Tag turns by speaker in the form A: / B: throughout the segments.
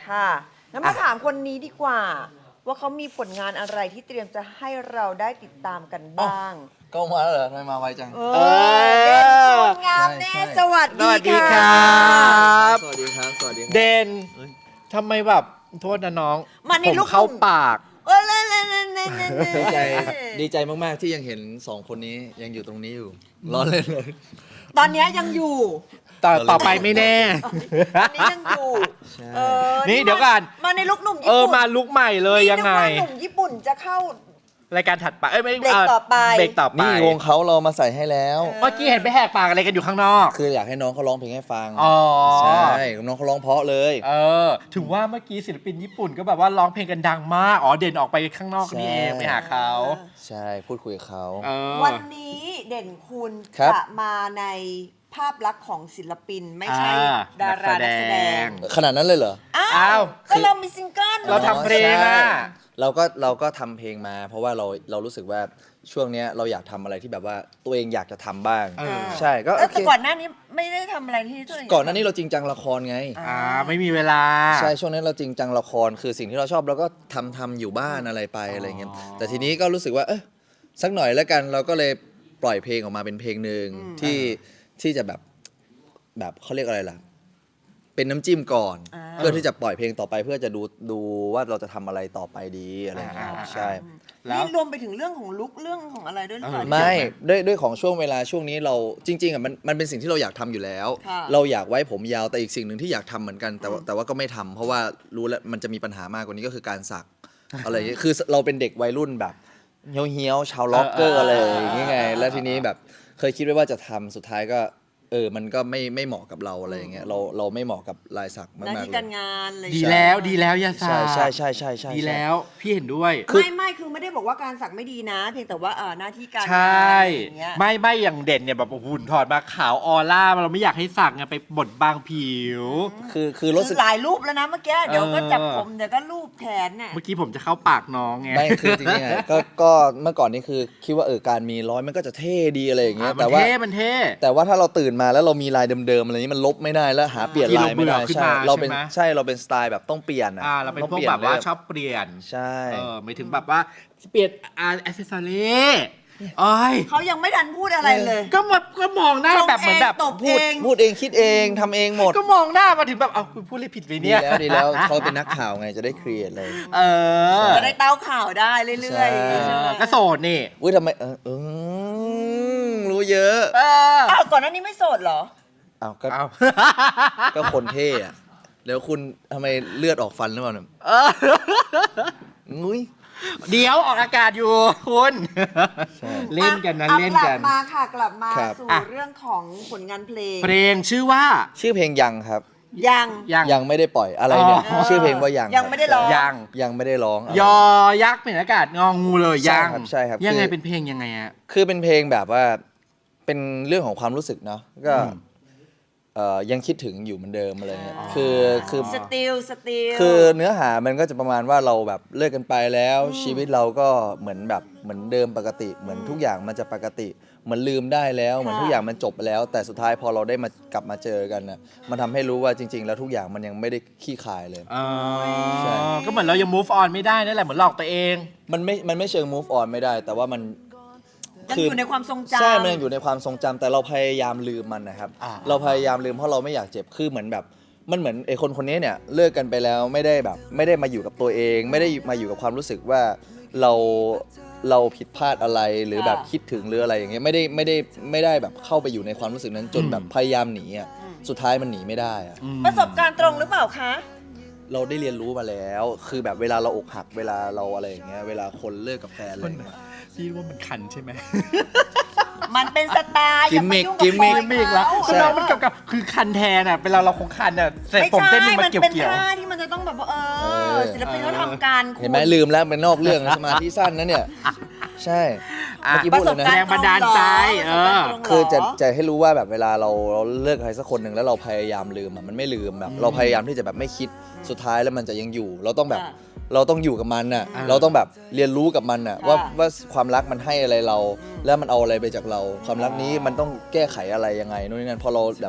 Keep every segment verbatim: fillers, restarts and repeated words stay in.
A: ค่ะงั้นมาถามคนนี้ดีกว่า ว่าเขามีผลงานอะไรที่เตรียมจะให้เราได้ติดตามกันบ้าง
B: ก็มาแล้วเหรอทำไมมาไวจัง
A: เออเด่นคุณงามแน่
B: ใช่ใช่
A: สวัส
C: ส
A: ดี
C: วัสดีค
A: ค่ะ
C: รับ
B: สวัสดีครับ สวัสดีครั
C: เดน
B: เอ้ย
C: ทำไมแบบโทษนะน้อง
A: มาใน
C: ผม
A: ลูก
C: เข้า
A: หนุ่ม
C: ปาก
A: เออเล่นเล่นเล่นเล่นเล่น
B: ดีใจดีใจมาก ๆ ที่ยังเห็นสองคนนี้ยังอยู่ตรงนี้อยู่ล้อเล่นเลย
A: ตอนเนี้ยยังอยู่
C: ต่อต่อไปไม่แน่
A: ตอนนี้ยังอยู่
B: ใช่
A: เออ
C: นี่เดี๋ยวก่อน
A: มาในลูกหนุ่มญี่
C: เออ
A: ปุ่น
C: มาลุกใหม่เลยยังไง
A: นี่นึกว่าหนุ่มญี่ปุ่นจะเข้า
C: รายการถัดไปเอ้ยไม่
A: เบรกต่อไป
C: เบรกต่อไป
B: นี่วงเขาเรามาใส่ให้แล้ว
C: เมื่อกี้เห็นไปแหกปากอะไรกันอยู่ข้างนอก
B: คืออยากให้น้องเขาร้องเพลงให้ฟัง
C: อ๋อ
B: ใช่น้องเขาร้องเพราะเลย
C: เออ ถึงว่าเมื่อกี้ศิลปินญี่ปุ่นก็แบบว่าร้องเพลงกันดังมาก อ๋อ เด่นออกไปข้างนอกนี่เอง
B: ใช่
C: ไปหาเขา
B: ใช่พูดคุยกับเขา
C: เออ
A: วันนี้เด่นคุณ
B: ครับ
A: จะมาในภาพลักษณ์ของศิลปินไม่ใช่
C: อ่า
A: ดารานักแสดง
B: ขนาดนั้นเลยเหรอ
A: อ้า
C: อ้าว ว
A: ก็เรามีซิงเกิล
C: เราทำเพลงอะ
B: ใช่เราก็เราก็ทำเพลงมา เพราะว่าเราเรารู้สึกว่าช่วงเนี้ยเราอยากทำอะไรที่แบบว่าตัวเองอยากจะทำบ้าง
C: เออ
B: ใช่ก็
A: เอ้
B: โอย เค
A: แต่ก่อนหน้านี้ไม่ได้ทำอะไรที่ตัวเอง
B: ก่อนหน้านี้เราจริงจังละครไง
C: อ่า ไม่มีเวลา
B: ใช่ช่วงนั้นเราจริงจังละครคือสิ่งที่เราชอบเราก็ทำทำอยู่บ้านอะไรไปอะไรเงี้ย
C: อ๋อ
B: แต่ทีนี้ก็รู้สึกว่าเออสักหน่อยแล้วกันเราก็เลยปล่อยเพลงออกมาเป็นเพลงหนึ่งที่ที่จะแบบแบบเขาเรียกอะไรล่ะ เป็นน้ำจิ้มก่อน
A: า
B: เพื่อที่จะปล่อยเพลงต่อไปเพื่อจะดูดูว่าเราจะทำอะไรต่อไปดีอะไรเงี้ย
C: อ่า
B: ใช่
C: แล้ว
A: นี่รวมไปถึงเรื่องของลุกเรื่องของอะไรด้วยหรือเปล่า
C: เออ
B: ไม่ด้วยด้วยของช่วงเวลาช่วงนี้เราจริง ๆอ่ะมันมันเป็นสิ่งที่เราอยากทำอยู่แล้ว
A: ค่ะ
B: เราอยากไว้ผมยาวแต่อีกสิ่งหนึ่งที่อยากทำเหมือนกันแต่ว่าแต่ว่าก็ไม่ทำเพราะว่ารู้แล้วมันจะมีปัญหามากกว่านี้ก็คือการสัก อะไรอย่างเงี้ยคือเราเป็นเด็กวัยรุ่นแบบเฮี้ยวๆชาวล็อกเกอร์อะไรอย่างเงี้ยไงแล้วทีนี้แบบเคยคิดไว้ว่าจะทำสุดท้ายก็เออมันก็ไม่ไม่เหมาะกับเราอะไรอย่างเงี้ยเราเราไม่เหมาะกับลายสัก
A: หน้า
B: มากๆ
A: ที่
B: เล
A: การ
B: ย
A: งานอะไร
C: ดีแล้วดีแล้วอยาสา
B: ใช่ใช่ใช่ใช่ใช่
C: ดีแล้วพี่เห็นด้วย
A: ไม่ไม่คือไม่ได้บอกว่าการสักไม่ดีนะ เพียงแต่ว่าเออหน้าที่การงาน
C: ใช่
A: อะไรอย่างเงี้ย
C: ไม่ไม่อย่างเด่นเนี่ยแบบหุ่นถอดมาขาวออร่าเราไม่อยากให้สักไงไปบดบางผิว
B: คือคือรู้สึ
A: คื
B: ก
A: อหลายรูปแล้วนะเมื่อกี้เดี๋ยวก็
C: เออ
A: จับผมเดี๋ยวก็รูปแขนเนี่ย
C: เมื่อกี้ผมจะเข้าปากน้องไง
B: ไม่คือจริงๆอะก็ก็เมื่อก่อนนี่คือคิดว่าเออการมีร้อยมันก็จะเท่ดีอะไรอย่างเงี้ย
C: อ่ะมั
B: แต่
C: น
B: ว่า
C: เท่มันเท่
B: แต่ว่าถ้าเราตื่นมาแล้วเรามีลายเดิมๆอะไรนี้มันลบไม่ได้แล้วหาเปลี่ยนลายไม่ได้
C: ที่เราเบื่อขึ้น
B: ใช่
C: มา
B: เราเป็น
C: ใช่ไหม
B: ใช่เราเป็นสไตล์แบบต้องเปลี่ยนอะ
C: อ่าเราเป็น
B: ต้อง
C: พวก
B: ปลี่ย
C: แบบว่า
B: เลย
C: ชอบเปลี่ยน
B: ใช่
C: เออไม่ถึงแบบว่าเปลี่ยนอาร์แอสเซสซอรี่โอ้ย
A: เขายังไม่ทันพูดอะไรเลย
C: ก็มาก็มองหน้า
A: ชง
C: แบบเหมือนแบบ
A: เองตบ
B: พูด
A: เอง
B: พูดเองคิดเองทำเองหมด
C: ก็มองหน้ามาถึงแบบเอาคุณพูดอะไรผิดไป
B: ดี
C: เนี่ย
B: แล้วดีแล้วเขาเป็นนักข่าวไงจะได้ครีเอทเลย
C: เออ
A: จะได้เต้าข่าวได้เรื่อยๆ
B: ใช่
A: อย่างงี้ใช่ไหม
C: ก็โสดนี่
B: อุ้ยทำไมเออเออรู้เยอะ
C: เออ
A: อ้าวก่อนหน้านี้ไม่โสดเหรอ
B: อ้าวก็
C: เอา
B: ก็คนเท่อะแล้วคุณทำไมเลือดออกฟันหรือเปล่าเนี่ย
C: เออ
B: งุ้ย
C: เดี๋ยวออกอากาศอยู่คุณ
B: ใช่
C: เล่นกันนะ
A: อ่
C: เล่นกัน
A: กลับมาค่ะกลับมา
B: ครับ
A: สู่
C: อ่ะ
A: เรื่องของผลงานเพลง
C: เพลงชื่อว่า
B: ชื่อเพลงยังครับ
A: ยัง
C: ยัง
B: ยังไม่ได้ปล่อยอะไรเนี่ย
C: อ๋อ
B: ชื่อเพลงว่ายัง
A: ยังไม่ได้ร้อง
C: ยัง
B: ยังไม่ได้ร้อง
C: ยอยักษ์เป็นอากาศงองูเลย
B: ใช่
C: ยัง
B: ครับใช่ครับ
C: ยังไง
B: คือ
C: เป็นเพลงยังไงอะ
B: คือเป็นเพลงแบบว่าเป็นเรื่องของความรู้สึกเนาะก็
C: อืม
B: เอ่อยังคิดถึงอยู่เหมือนเดิมอะไรเงี้ยคือคือ
A: สติลสติล
B: คือเนื้อหามันก็จะประมาณว่าเราแบบเลิกกันไปแล้ว ชีวิตเราก็เหมือนแบบเหมือนเดิมปกติ เหมือนทุกอย่างมันจะปกติ เหมือนลืมได้แล้ว เหมือนทุกอย่างมันจบไปแล้ว แต่สุดท้ายพอเราได้มากลับมาเจอกันน่ะมันทำให้รู้ว่าจริง ๆ แล้วทุกอย่างมันยังไม่ได้ขี้คายเลย
C: อ๋อ
B: ใช่
C: ก็เหมือนเรายัง move on ไม่ได้นั่นแหละเหมือนหลอกตัวเอง
B: มันไม่มันไม่เชิง move on ไม่ได้ แต่ว่ามัน
A: ยังอยู่ในความทรงจำ
B: ใช่มันยังอยู่ในความทรงจำแต่เราพยายามลืมมันนะครับ
C: อ่า
B: เราพยายามลืมเพราะเราไม่อยากเจ็บคือเหมือนแบบมันเหมือนไอ้คนคนนี้เนี่ยเลิกกันไปแล้วไม่ได้แบบไม่ได้มาอยู่กับตัวเอง ไม่ได้มาอยู่กับความรู้สึกว่าเราเราผิดพลาดอะไรหรือแบบคิดถึงหรืออะไรอย่างเงี้ยไม่ได้ไม่ได้ไม่ได้แบบเข้าไปอยู่ในความรู้สึกนั้นจนแบบพยายามหนีอ่ะสุดท้ายมันหนีไม่ได้อ่ะ
C: อืม
A: ประสบการณ์ตรงหรือเปล่าคะ
B: เราได้เรียนรู้มาแล้ว คือแบบเวลาเราอกหักเวลาเราอะไรอย่างเงี้ยเวลาคนเลิกกับแฟนอะไรอย่างเงี้ย
C: พี่ว่ามันคันใช่ไหม
A: มันเป็นสไตล์อย่ามายุ่ง
B: กิ
A: กับ
B: มมิ
A: ป
B: ก
A: อย
C: ไม่อีกแล้ว
A: เขา
C: คือเรามันกับกับคือคันแทนอ่ะเวลาเราคงคันอ่ะเสร็จ
A: ไม่
C: ผม
A: ใช่
C: เส้นหนึง
A: มั
C: มัน นเกี่ยว
A: เป็น
C: เกี่ยว
A: ท่าที่มันจะต้องแบบว่าเอ
B: เอ
A: อ
B: อ
A: ศิลปินเขาทำการ
B: เห็นไหมลืมแล้วเป็นนอกเรื่องสมาธิสั้นนะเนี่ยใช่
C: อ่ะ
B: เมื่อกี้
A: ประ
B: พูด
A: ส
B: เล
A: บ
B: ยนะ
A: การ
C: แร
A: ณ์
C: งบันดาลใจเออ
B: คือจะจะให้รู้ว่าแบบเวลาเราเราเลิกใครสักคนหนึ่งแล้วเราพยายามลืมอ่ะมันไม่ลืมแบบเราพยายามที่จะแบบไม่คิดสุดท้ายแล้วมันจะยังอยู่ เราต้องแบบเราต้องอยู่กับมันน่ะ
C: อ่า
B: เราต้องแบบเรียนรู้กับมันน่ะว่าว่าความรักมันให้อะไรเรา แล้วมันเอาอะไรไปจากเรา ความรักนี้มันต้องแก้ไขอะไรยังไงนู่นนี่นั่นพอเราแบบ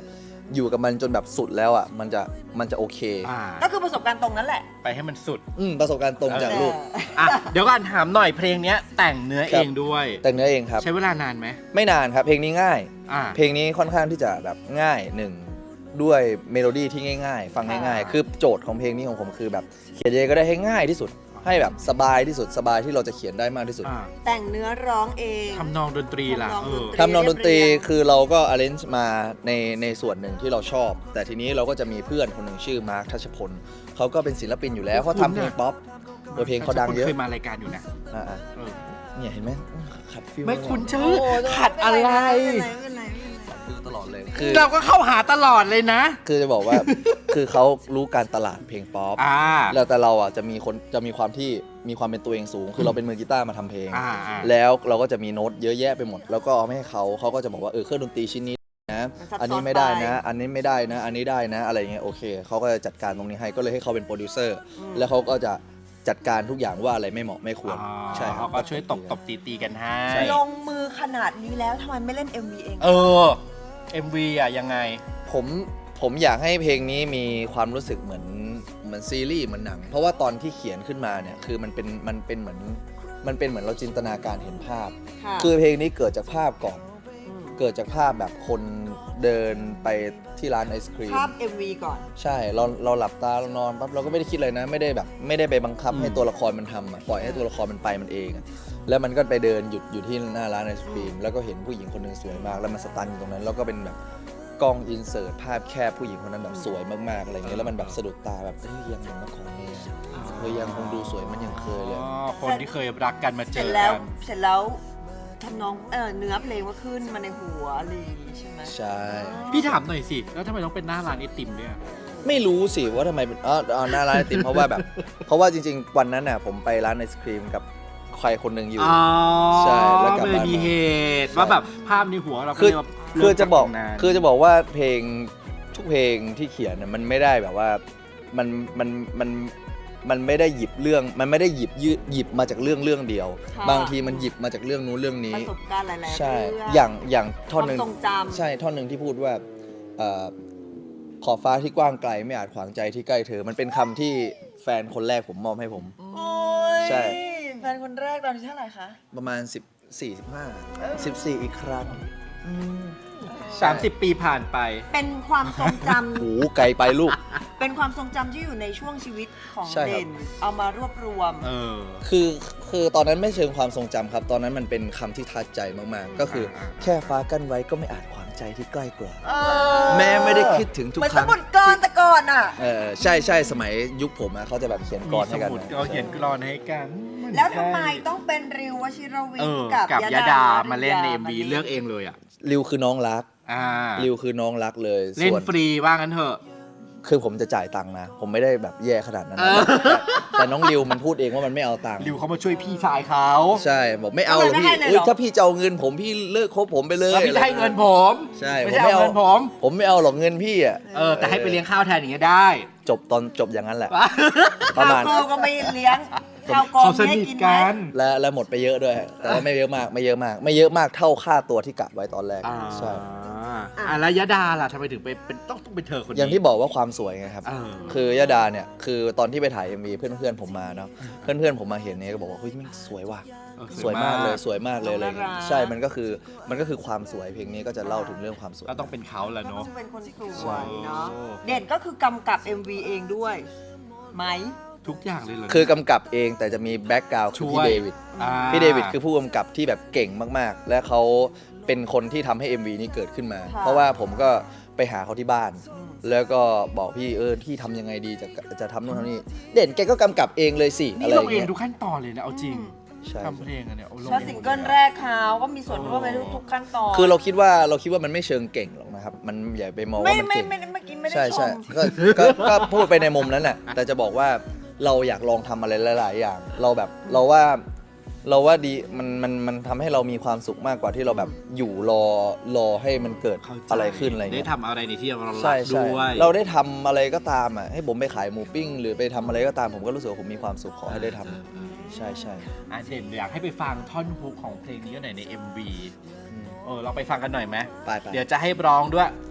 B: อยู่กับมันจนแบบสุดแล้วอ่ะมันจะมันจะโอเค
C: อ่า
A: ก็คือประสบการณ์ตรงนั้นแหละ
C: ไปให้มันสุด
B: อืมประสบการณ์ตรงจากลูก
C: อ่ะเดี๋ยวก่อนถามหน่อยเพลงเนี้ยแต่งเนื้อ
B: ค
C: เอ
B: รับ
C: งด้วย
B: แต่งเนื้อเองครับ
C: ใช้เวลานานไหม
B: ไม่นานครับ เพลงนี้ง่าย
C: อ่า
B: เพลงนี้ค่อนข้างที่จะแบบง่ายหนึ่งด้วยเมโลดี้ที่ง่าย ๆ ฟังง่ายๆ คือโจทย์ของเพลงนี้ของผมคือแบบเขียนยังไงก็ได้ให้ง่ายที่สุด ให้แบบสบายที่สุดสบายที่เราจะเขียนได้มากที่สุด
C: อ่า
A: แต่งเนื้อร้องเอง
C: ทำนองดนตรีล่ะ
A: ทำนอง
C: เอ
A: ดน
C: อ
A: ตรี
B: ทำนองดนตรีคือเราก็ arrange มาในในส่วนหนึ่งที่เราชอบ แต่ทีนี้เราก็จะมีเพื่อนคนหนึ่งชื่อมาร์คทัชพลเขาก็เป็นศิลปินอยู่แล้วเขาทำเพลงป๊อปโดยเพลงเขาดังเยอะ
C: เคยมารายการอยู่นะ
B: อ่า
C: เออ
B: ๆเนี่ยเห็นไหมขัดฟิล
C: ไม่คุ้น
B: ชื่
C: ชื่อ
A: โอ้โห
C: ขัดอะไร
A: ไม่เป็นไรไม่เป็นไรไม่เป็นไร
B: ฟิลตลอดเลยคือ
C: เราก็เข้าหาตลอดเลยนะ
B: คือจะบอกว่า คือเขารู้การตลาดเพลงป๊อป
C: อ่า
B: แล้วแต่เราอ่ะจะมีคนจะมีความที่มีความเป็นตัวเองสูง คือเราเป็นมือกีตาร์มาทำเพลง
C: อ่าอ่า
B: แล้วเราก็จะมีโน้ตเยอะแยะไปหมด แล้วก็เอาให้เขาเขาก็จะบอกว่าเออเครื่องดนตรีชิ้นนี้นะ
A: มันซับซ้อน
B: อันนี้ไม่ได้นะ
A: ไป
B: อันนี้ไม่ได้นะ อันนี้ได้นะ อะไรเงี้ยโอเคเขาก็จะจัดการตรงนี้ให้ก็เลยให้เขาเป็นโปรดิวเซอร์
A: อืม
B: แล้วเขาก็จะจัดการทุกอย่างว่าอะไรไม่เหมาะไม่ควร
C: อ๋อ
B: ใช่ครั
C: เขา
B: บ
C: ก็ช่วยตบตบตีตีกันให้
B: ใช่
A: ลงมือขนาดนี้แล้วทำไมไม่เล่น เอ็ม วี เอง
C: เออ เอ็ม วี อ่ะยังไง
B: ผมผมอยากให้เพลงนี้มีความรู้สึกเหมือนเหมือนซีรีส์เหมือนหนัง เพราะว่าตอนที่เขียนขึ้นมาเนี่ยคือมันเป็นมันเป็นเหมือนมันเป็นเหมือนเราจินตนาการเห็นภาพ
A: ค่ะ
B: คือเพลงนี้เกิดจากภาพก่อน
A: ม
B: เกิดจากภาพแบบคนเดินไปที่ร้านไอศครีม
A: ภาพ เอ็ม วี ก่อน
B: ใช่เราเราหลับตาเรานอนปั๊บเราก็ไม่ได้คิดเลยนะ ไม่ได้แบบไม่ได้ไปบังคับ
C: อืม
B: ให้ตัวละครมันทำอะปล่อยให้ตัวละครมันไปมันเองอะแล้วมันก็ไปเดินหยุดอยู่ที่หน้าร้านไอศครีมแล้วก็เห็นผู้หญิงคนหนึ่งสวยมากแล้วมันสตันอยู่ตรงนั้นแล้วก็เป็นแบบกล้องอินเสิร์ตภาพแคบผู้หญิงคนนั้นแบบสวยมากๆอะไรเงี้ยแล้วมันแบบสะดุดตาแบบเฮ้ยยังเหมือนเมื่อก่อนเลยอะเฮ้ยยังคงดูสวยมันยังเคยเลย
C: อ๋อคนที่เคยรักกันมา
A: เส
C: เจ
A: ร็จ
C: อ
A: แล้ว
C: กัน
A: เสร็จแล้วทำนองเออเนื้อเพลงว่าขึ้นมาในหัวอะไรอย่างงี้ใช่ไหม
B: ใช่
C: พี่ถามหน่อยสิ แล้วทำไมต้องเป็นหน้าร้านไอติมเนี่ย
B: ไม่รู้สิว่าทำไมเป็นอ๋ออ๋อหน้าร้านไอติมเพราะว่าแบบ เพราะว่าจริงๆ วันนั้นน่ะผมไปร้านไอศครีมกับใครคนหนึ่งอยู่
C: อ๋อ
B: ใช่แล้วกลับ
C: มัน
B: บ้าน
C: มี
B: มา
C: เหตุ
B: ใช่
C: ว่าแบบภาพในหัวเราก็
B: คือ
C: เลยแบบ
B: คือจะบอก
C: เริ่มจากตรงนั้น
B: คือจะบอกว่าเพลงทุกเพลงที่เขียนน่ะมันไม่ได้แบบว่ามันมันมันมันไม่ได้หยิบเรื่อง มันไม่ได้หยิบยืดหยิบมาจากเรื่องเรื่องเดียว
A: ค่ะ
B: บางทีมันหยิบมาจากเรื่องนู้นเรื่อง
A: ป
B: นี้
A: ระสบการณ์หลายๆ
B: ใช่
A: เรื่อง
B: อย่างอย่างท่อนหนึ่ง
A: ความทรงจำ
B: ใช่ท่อนหนึ่งที่พูดว่าเอ่อขอบฟ้าที่กว้างไกลไม่อาจขวางใจที่ใกล้เธอ มันเป็นคำที่แฟนคนแรกผมมอบให้ผม
A: โอ้ย
B: ใช่
A: แฟนคนแรกตอนนี้เท่าไหร่คะ
B: ประมาณสิบสี่ สิบห้า สิบสี่อีกครั้งอืม
C: สามสิบปีผ่านไป
A: เป็นความทรงจ
B: โอ้โหไกลไปลูก
A: ำ เป็นความทรงจำที่อยู่ในช่วงชีวิตของ
B: ใช่ครับ
A: เด่น เอามารวบรวม
C: เออ
B: คือคือตอนนั้นไม่เชิงความทรงจำครับ ตอนนั้นมันเป็นคำที่ทัดใจมากๆ ก็คืออา แค่ฟ้ากั้นไว้ก็ไม่อาจขวางใจที่ใกล้กว่า
A: เออ
B: แม้ไม่ได้คิดถึงทุก
A: เหมือน
B: ค
A: ส
B: รั้ง
A: มุดกรแต่ก่อนอ่ะ
B: เออใช่ใช่สมัยยุคผมอะเขาจะแบบเขียนก
C: มี
B: ร
C: ส
B: ให้กัน
C: มุด
B: นะ
C: เราเขียนกรอนให้กัน
A: แล้วทำไมต้องเป็นริววชิรวิ
C: เอ
A: ท
C: อ
A: ย์กับ
C: กับยะดามาเล่นใน
A: ย
C: เอ็มวี
A: าา
C: เลือกเองเลยอ่ะ
B: ริวคือน้องรัก
C: อ่า
B: ริวคือน้องรักเลย
C: เล่น
B: ส่วน
C: ฟรีว่างั้นเถอะ
B: คือผมจะจ่ายตังค์นะ ผมไม่ได้แบบแย่ขนาดนั้น
C: เอ
B: นะ
C: อ
B: แต่แต่น้องริวมันพูดเองว่ามันไม่เอาตังค์
C: ริวเขามาช่วยพี่ชายเขา
B: ใช่บอกไม่เอาหรอกพี่เอ้ยถ้าพี่จะเอาเงินผมพี่เลิกคบผมไปเลย
C: แล้วพี่จะให้เงินผม
B: ใช่
C: ไม่
B: ผม
C: ใช่
B: ไม่
C: เอา
B: เอา
C: เงินผม
B: ผมไม่เอาหรอกเงินพี่อ่ะ
C: เออ แต่ให้ไปเลี้ยงข้าวแทนอย่างเงี้ยได้
B: จบตอนจบอย่างนั้นแหละ ประ
A: ข้าว
B: มาณ
A: กล้องก็ไม่เลี้ยง ข้าวกล้อง
C: เขาส
A: ให้
C: นิท
A: กินไหม
C: กัน
B: และและหมดไปเยอะด้วย แต่ว่าไม่เยอะมากไม่เยอะมาก ไม่เยอะมากเท่าค่าตัวที่กะไว้ตอนแรก
C: อ่า
B: ใช่
C: อ่าแล้วยะดาล่ะทำไมถึงไปเป็นต้องต้องเป็นเธอคนนี้
B: อย่างที่บอกว่าความสวยไงครับ
C: เออ
B: คือยะดาเนี่ยคือตอนที่ไปถ่าย เอ็ม วี เพื่อนเพื่อนๆผมมาเนาะเพื่อนเพื่อนๆผมมาเห็นเนี่ยก็บอกว่าเฮ้ยแม่งสวยว่ะ
C: เออ
B: สวยมากเลยสวยมากเลยอะไร
A: น่ารั
B: เงี้
A: ก
B: ยใช่มันก็คือมันก็คือความสวยเพลงนี้ก็จะเล่าถึงเรื่องความสวย
C: ก็ต้องเป็นเขาแหละ
A: ก็ต้อ
C: เนาะ
A: งเป็นคนส
B: ใช่
A: วยเนาะ เด่นก็คือกำกับ เอ็ม วี เองด้วย ไหม
C: ทุกอย่างเลยเหรอ
B: คือกำกับเองแต่จะมีแบ็กกราวด์คือ
C: ช่
B: พี่
C: วย
B: เดวิด
C: อ่า
B: พี่เดวิดคือผู้กำกับที่แบบเก่งมากๆ และเขาเป็นคนที่ทำให้ เอ็ม วี นี้เกิดขึ้นมา
A: ค่ะ
B: เพราะว่าผมก็ไปหาเขาที่บ้าน
A: อืม
B: แล้วก็บอกพี่เออพี่ทำยังไงดีจะจะทำนู่นทำนี่เด่นแกก็กำกับเองเลยสิอะ
C: นี่
B: ไรอ
C: ลง
B: ย่าง
C: เอง
B: เงี้ย
C: ทุกขั้นตอนเลยนะเอาจริง
B: ใช่
C: ทำเพลงอะเนี่ยเอาลง
A: แล้ว
C: เอง
A: ซิงเกิลแรกเขาก็มีส่วนร่วมในทุกๆขั้นตอน
B: คือเราคิดว่าเราคิดว่ามันไม่เชิงเก่งหรอกนะครับ มันอย่าไปมอง
A: ไม่
B: ว่ามัน
A: ไม่
B: เก่ง
A: ไม่เมื่อกี้ไม่ได้
B: ใช่
A: ช
B: ใช่
A: ม
B: ก็ก็ก็พูดไปในมุมนั้นแหละแต่จะบอกว่าเราอยากลองทำอะไรหลาย ๆ อย่าง เราแบบเราว่าเราว่าดีมันมันมันทำให้เรามีความสุขมากกว่าที่เราแบบอยู่รอรอให้มันเกิด
C: เข้าใจ
B: อะไรขึ้นอะไร
C: ได้
B: เงี้ย
C: ทำอะไรในที่เรารั
B: ใช่
C: ก
B: ใช่
C: ด้วย
B: เราได้ทำอะไรก็ตามอ่ะให้ผมไปขายหมูปิ้ง หรือไปทำอะไรก็ตามผมก็รู้สึกว่าผมมีความสุขขอให้ได้ทำใช่ใช่
C: อ่ะเด่นอยากให้ไปฟังท่อนฮุกของเพลงนี้หน่อยใน เอ็ม วี
B: อืม
C: เออเราไปฟังกันหน่อยไหม
B: ไปไป
C: เดี๋ยวจะให้ร้องด้วยอ่ะ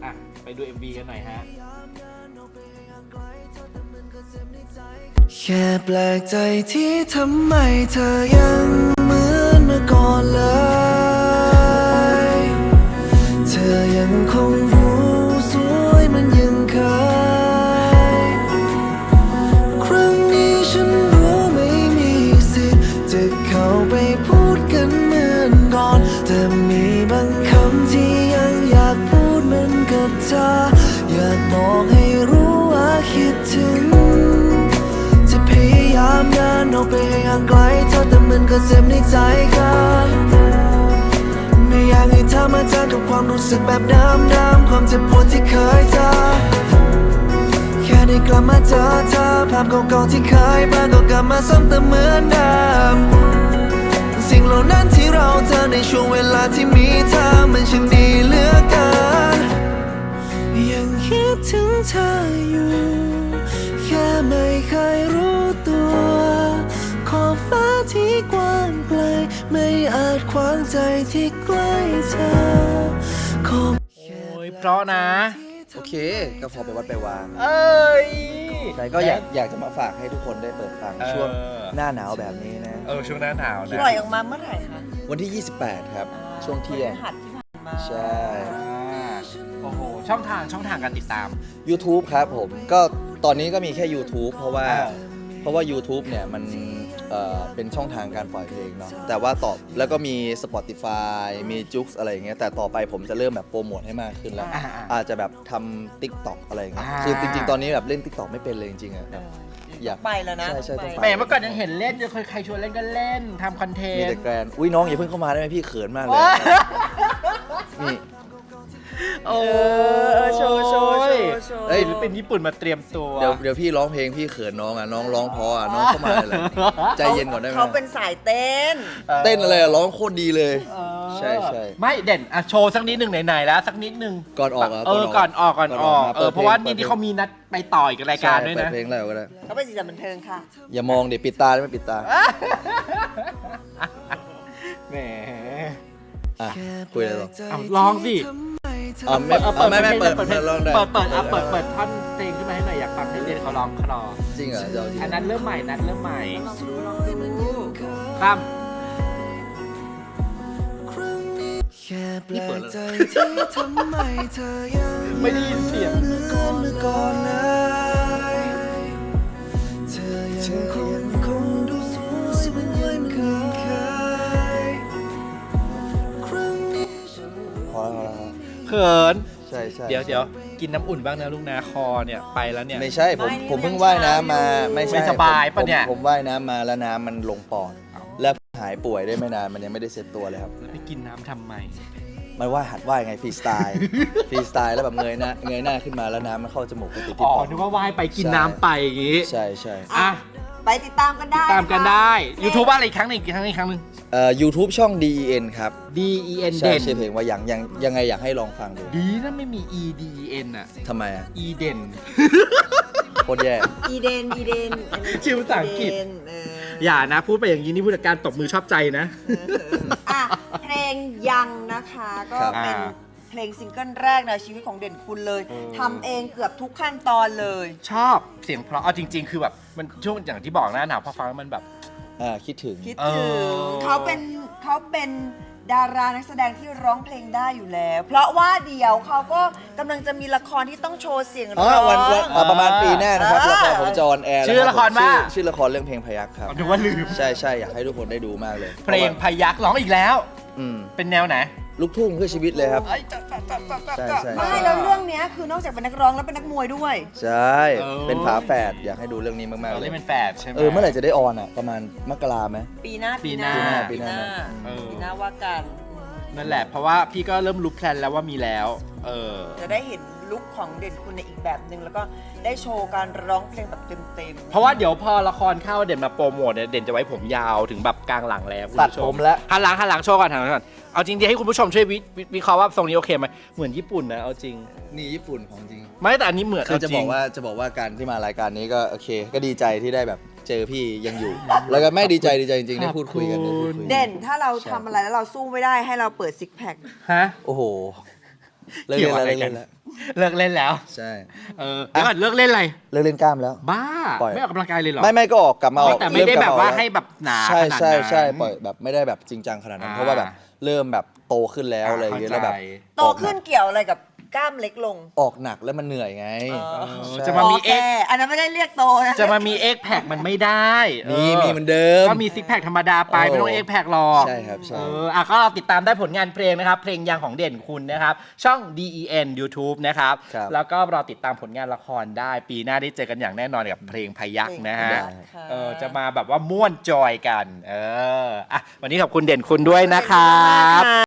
C: ไปดู เอ็ม วี กันหน่อยฮะ
D: แค่แปลกใจที่ทำไมเธอยังเหมือนเมื่อก่อนเลย เธอยังคงรู้สวยมันยังเคย ครั้งนี้ฉันรู้ไม่มีสิทธิ์จะเข้าไปพูดกันเหมือนก่อน แต่มีบางคำที่ยังอยากพูดเหมือนกับเธอ อยากบอกให้รู้ว่าคิดถึง จะพยายามเดินออกไปให้ห่างไกลเธอแต่มันก็เจ็บในใจกันไม่อยากให้เธอมาเจอกับความรู้สึกแบบเดิมๆความเจ็บปวดที่เคยเจอแค่ได้กลับมาเจอเธอภาพเก่าๆที่เคยมาก็กลับมาซ้ำเติมเหมือนเดิมสิ่งเหล่านั้นที่เราเจอในช่วงเวลาที่มีเธอมันช่างดีเหลือเกินยังคิดถึงเธออยู่แค่ไม่เคยรู้ตัวขอบฟ้าที่กว้างไกลไม่อาจขวางใจที่ใกล้เธอขอบ
C: โอ้ยเพราะนะ
B: โอเค ก็พอไปวัดไปวาง
C: เอ้ย
B: ใช่ก็อยากอยากจะมาฝากให้ทุกคนได้เปิดฟัง
C: เออ
B: ช่วงหน้าหนาวแบบนี้นะ
C: เออช่วงหน้าหนาวนะ
A: ปล่อยออกมาเมื่อไหร่คะ
B: วันที่ ยี่สิบแปด ครับ ช่วงเที่ยง
A: พฤหัสที่ผ่านมา
B: ใช่
C: อ่าโอ้โห ช่องทางช่องทางการติดตาม
B: YouTube ครับผม ก็ตอนนี้ก็มีแค่ YouTube เพราะว่า
C: อ่า
B: เพราะว่า YouTube เนี่ยมันเอ่อเป็นช่องทางการปล่อยเพลงเนาะแต่ว่าต่อแล้วก็มี Spotify มี Joox อะไรอย่างเงี้ยแต่ต่อไปผมจะเริ่มแบบโปรโมทให้มากขึ้นแล้ว
C: อ่าอ่า
B: อาจจะแบบทำ TikTok อะไรอย่างเงี้ย
C: อ่า
B: คือจริงๆ ตอนนี้แบบเล่น TikTok ไม่เป็นเลยจริงๆอะแบบ อยาก
A: ไปแล้วนะ
B: ใช่ใช่ต้องไป
C: แหมเมื่อก่อนยังเห็นเล่นยังเคยใครชวนเล่นก็เล่นทำคอนเท
B: มี
C: น
B: แต่
C: ต์
B: แกรนอุ้ยน้องอย่าเพิ่งเข้ามาได้ไหมพี่เขินมากเลยนี่
C: โอ้
A: เออโชว์โชว์โชว์โชว์
B: เอ้ย
C: ศิลปินญี่ปุ่นมาเตรียมตัว
B: เดี๋ยวเดี๋ยวพี่ร้องเพลงพี่เขินน้องอ่ะน้องร้องเพราะอ่ะน้องเข้ามาเลยใจเย็นก่อนได้ไหม
A: เขาเป็นสายเต้น
B: เต้นอะไรอ่ะร้องโคตรดีเลย
C: เออ
B: ใช่ใช่
C: ไม่เด่นอ่ะโชว์สักนิดหนึ่งไหนๆแล้วสักนิดหนึ่ง
B: ก่อนออกเหรอ
C: เออก่อนออกก่อนออก
B: ก่อนออก
C: เออเพราะว่านี่ที่เขามีนัดไปต่ออีกรายการด้วย
B: ใช่
C: นะ
B: เปิดเพลงแล้วก็ได้
A: เขาเป็นสีสันบันเทิงค่ะ
B: อย่ามองเดี๋ยวปิดตาได้ไหมปิดตา
C: แหม
B: อ่ะคุยอะไรต่อ
C: เอาลองสิ
B: อ๋อไม่
C: เออ
B: อ๋อไม่ไม่เปิด
C: เปิด
B: เปิดลองได้
C: เปิดเปิดอ่ะเปิดเปิดท่อนเพลงขึ้นมาให้หน่อยอยากฟังให้เด่นเขาร้องคลอ
B: จริงเหรอจะเอาจริง
C: อันนั้นเริ่มใหม่นัดเริ่มใหม่
A: ลองดูลองดู
C: ตั้ม
D: แค่แปลกใจที่ทำไมเธอยัง
C: ไม่ได้ยินเสียง
D: เมื่อก่อนเมื่อก่อนเลยเธอยังคงคงดูสวยเหมือนยังเคยครั้งนี้ฉัน
B: พอแล้วพอแล้ว
C: เขิน
B: ใช่ใช่
C: เดี๋ยวเดี๋ยวกินน้ำอุ่นบ้างนะลูกนะคอเนี่ยไปแล้วเนี่ย
B: ไม่ใช่ผมผมเพิ่งว่ายน้ำมาไม่ใช่
C: ไม่สบายปะเนี่ย
B: ผมผมว่ายน้ำมาแล้วน้ำมันลงปอดแล้วหายป่วยได้ไม่นานมันยังไม่ได้เซ็ตตัวเลยครับ
C: แล้วไปกินน้ำทำไม
B: มันว่ายหัดว่ายไงฟรีสไตล์ฟรีสไตล์แล้วแบบเงยหน้าเงยหน้าขึ้นมาแล้วน้ำมันเข้าจมูกไปติดที่
C: อ๋อ
B: ปอด
C: นึกว่าว่ายไปกินน้ำไปอย่างงี้
B: ใช่ใช่
C: อ่ะ
A: ไปติดตามกันได้
C: ตามกัน
A: นะคะ
C: ได้ YouTube อะไรอีกครั้งหนึ่งอีกครั้งหนึ่งอีกครั้งหนึ่ง
B: เอ่อ YouTube ช่อง ดี อี เอ็น ครับ
C: D E N
B: ใช่
C: เด่น
B: ชื่อเพลงว่ายังยังยังไงอยากให้ลองฟังดู
C: ดีนะไม่มี E D E N อ่ะ
B: ทำไมอ่ะ
C: E เด่น
B: โคตรแย่
A: อีเดนอีเดนอันนี้
C: ชื่อภาษาอังกฤษ
A: เดนเออ
C: อย่านะ พูดไปอย่างนี้นี่ผู้จัดการตบมือชอบใจนะ
A: อ่ะเพลงยังนะคะก็
B: ครับ
A: เป็น
C: อ่า
A: เพลงซิงเกิลแรกในชีวิตของเด่นคุณเลย
C: เออ
A: ทำเองเกือบทุกขั้นตอนเลย
C: ชอบเสียงเพราะเอาจริง ๆ คือแบบมันช่วงอย่างที่บอกนะหนาวพอฟังแล้วมันแบบ
B: อ่าคิดถึง
A: คิด
C: เอ
A: ถึง
C: อ
A: เขาเป็นเขาเป็นดารานักแสดงที่ร้องเพลงได้อยู่แล้ว เพราะว่าเดี๋ยวเขาก็กำลังจะมีละครที่ต้องโชว์เสียง
B: อ๋อ
A: ร้อง
B: วันวันอ่าประมาณปีหน้านะครับ
A: อ่า
B: ละครผมจะออนแอร์
C: ชื่อละครว่า
B: ชื่อละครเรื่องเพลงพยักครับ
C: นึกว่าลืม
B: ใช่ใช่อยากให้ทุกคนได้ดูมากเลย
C: เพลงพยักร้องอีกแล้ว
B: อืม
C: เป็นแนวไหน
B: ลูกทุ่งเพื่อชีวิตเลยครับ
A: เอ้ยจะจะจะจะจะ
B: ใช่
A: จะ
B: ใช่
A: ไม่แล้วเรื่องเนี้ยคือนอกจากเป็นนักร้องแล้วเป็นนักมวยด้วย
B: ใช่
C: เออ
B: เป็นฝาแฝดอยากให้ดูเรื่องนี้มากๆ
C: เรา
B: เล
C: เล่
B: ย
C: นเป็นแฝดใช่ไหม
B: เออเมื่อไหร่จะได้ออนอ่ะ ประมาณมกราไหม
A: ปีหน้า
C: ปีหน้า
A: ปีหน้า
B: ปีหน้า
C: เออ
A: ปีหน้าว่ากัน
C: นั่นแหละ เพราะว่าพี่ก็เริ่มรู้แพลนแล้วว่ามีแล้ว เออ
A: จะได้เห็นลุคของเด่นคุณในอีกแบบหนึ่งแล้วก็ได้โชว์การร้องเพลงแบบเต็มๆ
C: เพราะว่าเดี๋ยวพอละครเข้าเด่นมาโปรโมทเนี่ยเด่นจะไว้ผมยาวถึงแบบกลางหลังแล้วคุณ
B: ตัด
C: ผู้ช
B: ผมแล้ว
C: หันหลังหันหลังโชว์ก่อนหันหลังก่อนเอาจริงๆให้คุณผู้ชมช่วยวิวิวิเคราะห์ว่าทรงนี้โอเคไหมเหมือนญี่ปุ่นนะเอาจริง
B: นี่ญี่ปุ่นของจริง
C: ไม่แต่อันนี้เหมือน
B: คือจะ
C: เา
B: บ
C: ริ
B: อง กว่าจะบอกว่าการที่มารายการนี้ก็โอเค ก็ดีใจที่ได้แบบเจอพี่ยังอยู่ แล้วก็ไม่ดีใจดีใจจริงๆได้พูดคุยกันได้พูดคุย
A: เด่นถ้าเราทำอะไรแล้วเราสู้ไม่ได้ให้เราเปิดซิกแพค
C: ฮะ
B: โอ้โหเลิก
C: เกี่
B: เล่
C: ยวน อะไร
B: แล้ว
C: กัน
B: เลิกเล่นแล้ว
C: เลิกเล่นแล้ว
B: ใช่
C: เออแล้วก่อนเลิกเล่นอะไร
B: เลิกเล่นกล้ามแล้ว
C: บ้า
B: ปล่อย
C: ไม่ออกกำลังกายเลยเหรอ
B: ไม่ไม่ก็ออกกลับมาออก
C: แต่ไม่ได้
B: เริ่
C: แบบ
B: กลัม
C: ว่า
B: ออก
C: ให้แบบหนา
B: ใช่
C: ขนาด
B: ใช่ใช่
C: นั้น
B: ปล่อยแบบไม่ได้แบบจริงจังขนาดนั้น
C: อ่า
B: เพราะว่าแบบเริ่มแบบโตขึ้นแล้วอะไรอย่างเงี้ยแล้วแบบ
C: เข้าใจ
A: โตขึ้นเกี่ยวอะไรกับกล้ามเล็กลง
B: ออกหนักแล้วมันเหนื่อยไง
A: เออ
B: ใช่
C: จะมามี
A: โอเคอันนั้นไม่ได้เรียกโตนะ
C: จะมามีเอ็กแพคมันไม่ได้
B: มี
C: ออ
B: มีเหมือนเดิม
C: ก็มีซิกแพคธรรมดาไป
B: โอ้
C: ไม่ต้องเอ็กแพคหรอก
B: ใช่ครับใช่
C: เอออ่ะก็ติดตามได้ผลงานเพลงนะครับ เพลงยังของเด่นคุณนะครับ ช่อง ดี อี เอ็น YouTube นะครับ
B: ครับ
C: แล้วก็รอติดตามผลงานละครได้ ปีหน้าได้เจอกันอย่างแน่นอนกับเพลงพยักนะฮะ
A: ได้ค่ะ
C: เออจะมาแบบว่าม่วนจอยกัน เอออ่ะวันนี้ขอบคุณเด่นคุณด้วยนะครับ